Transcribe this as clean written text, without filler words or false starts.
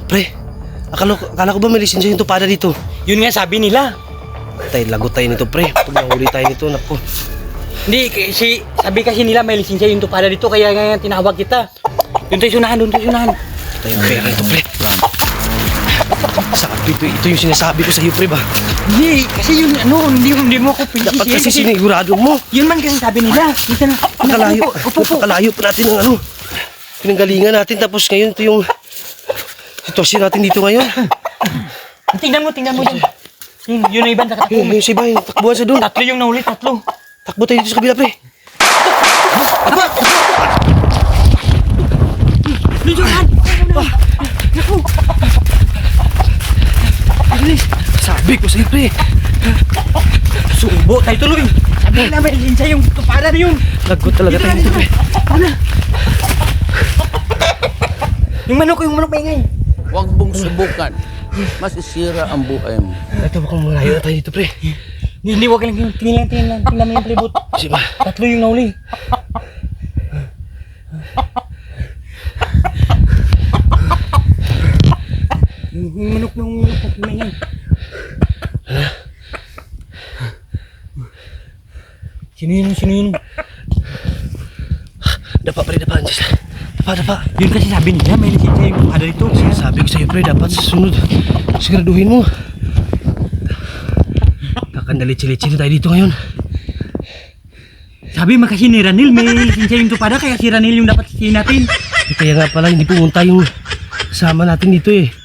Pre, akala ko ba may lisensya yung tupada dito? Yun nga sabi nila. Lagot tayo nito, pre. Pag nahuli tayo nito, naku. Hindi, sabi kasi nila may lisensya yung tupada dito, kaya nga tinawag kita. Doon tayo sunahan. Tayo yung pera nito, pre. Sabi ito yung sinasabi ko sa'yo, pre ba? Hindi, kasi yun, hindi mo ako Dapat kasi sinigurado mo. Yun man kasi sabi nila. Dito na. Napakalayo pa natin ng pinanggalingan natin. Tapos ngayon, ito yung sitwasyon natin dito ngayon. Tingnan mo dyan. Yun na iba, nakatakbo. Yung si Bay, takbuhan sa doon. Tatlo yung nahuli, tatlo. Takbo tayo dito sa kabila, pre. Lujuan! Sabi ko sa'yo, pre. Subo tayo tuloy. Sabi nila may lisensya yung tupada na yun. Lagot talaga tayo dito, pre. Yung manok maingay. Huwag mong subukan. Masisira ang buhay mo. Ito, mukhang malayo na tayo dito, pre. Hindi, wag lang yun. Tingnan mo yung palibot. Sige ba? Tatlo yung nahuli. Yung manok maingay. Sino yun? Dapa, pre, dapa. Dapa. Yun kasi sabi nila, may lisensya yung tupada dito. Sabi ko sa'yo, pre, dapat sa sunod. Siguraduhin mo. Kakandalitsi-litsi na tayo dito ngayon. Sabi makasi ni Ranil, may lisensya yung tupada, kaya si Ranil yung dapat sisihin natin. Kaya nga pala, hindi pumunta yung kasama natin dito eh.